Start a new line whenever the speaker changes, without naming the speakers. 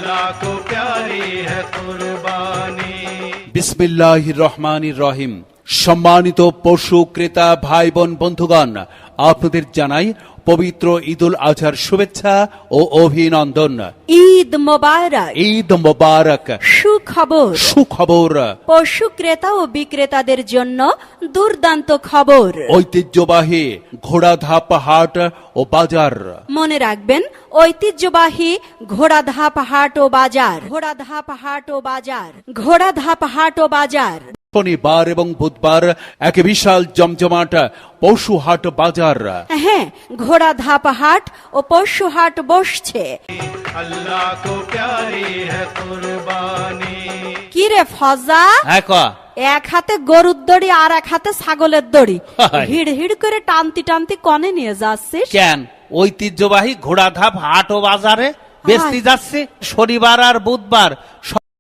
अल्लाह को प्यारी है कुर्बानी।
বিসমিল্লাহির রহমানির রহিম। সম্মানিত পশু ক্রেতা ভাই বোন বন্ধুগণ, আপনাদের জানাই পবিত্র ঈদুল আজহার শুভেচ্ছা ও অভিনন্দন।
ঈদ মোবারক।
ঈদ মোবারক।
সুখবর।
সুখবর।
পশু ক্রেতা ও বিক্রেতাদের জন্য দুর্দান্ত খবর।
ঐতিহ্যবাহী ঘোড়াধাপ হাট ও বাজার।
মনে রাখবেন, ঐতিহ্যবাহী ঘোড়াধাপ হাট ও বাজার। ঘোড়াধাপ হাট ও বাজার। ঘোড়াধাপ হাট ও বাজার।
শনিবার এবং বুধবার এক বিশাল জমজমাট পশু হাট বাজার।
হ্যাঁ, ঘোড়াধাপ হাট ও পশু হাট বসছে।
अल्लाह को प्यारी है कुर्बानी।
কি রে ফজা,
হ্যাঁ ক
এক হাতে গরুর দড়ি আর এক হাতে ছাগলের দড়ি
হায়।
হিড় হিড় করে টানতি টানতি কনে নিয়ে যাচ্ছিস?
কেন ঐতিহ্যবাহী ঘোড়াধাপ হাট ও বাজারে বেচতে যাচ্ছে শনিবার আর বুধবার।